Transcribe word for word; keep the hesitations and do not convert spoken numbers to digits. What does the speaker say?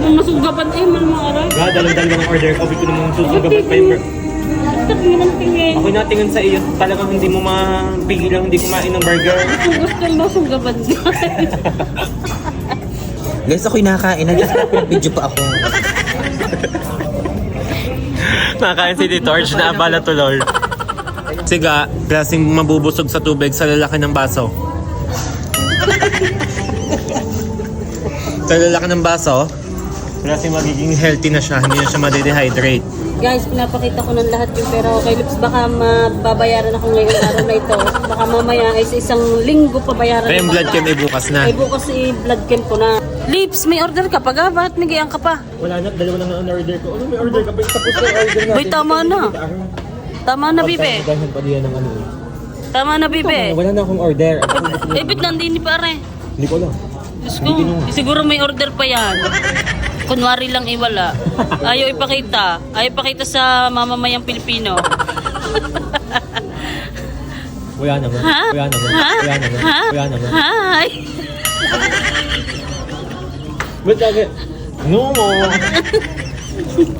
naman masugapan eh, malamaray. Ga, dalang-dalang ng order ko. Sabi ko namang susugabat pa yung... Tingin ng tingin. Ako natingin sa iyo, talagang hindi mo mapigilang hindi kumain ng burger. Kung gusto mo sugapan guys. Guys, ako'y nakakain. Nag-video pa ako. Nakain si Tito Arch na abala tuloy. Siga, klaseng mabubusog sa tubig sa lalaki ng baso. Sa lalaki ng baso, klaseng magiging healthy na siya, hindi na siya ma-dehydrate. Guys, pinapakita ko ng lahat yung pera ko kay Lips. Baka mababayaran ako ngayong araw na ito. Baka mamaya ay sa isang linggo pabayaran. Kaya yung blood chem ay bukas na. Ay bukas i blood chem ko na. Lips, may order ka pa ga? Bakit may gayang ka pa? Wala na, dalawa lang ang order ko. Ano may order ka pa? Tapos na order natin. Boy, tama na. Tama na, Bibe. Pagkain pa diyan ng ano. Tama na, Bibe. Wala na akong order. Eh, bit nandini pare. Hindi ko alam. Diyos ko, siguro may order pa yan. Kunwari lang iwala. Ayaw ipakita. Ayaw ipakita sa mamamayang Pilipino. Wala naman. Ha? Wala naman. Ha? Wala naman. Ha? Wala naman. Hi! Ba't lagi? No mo.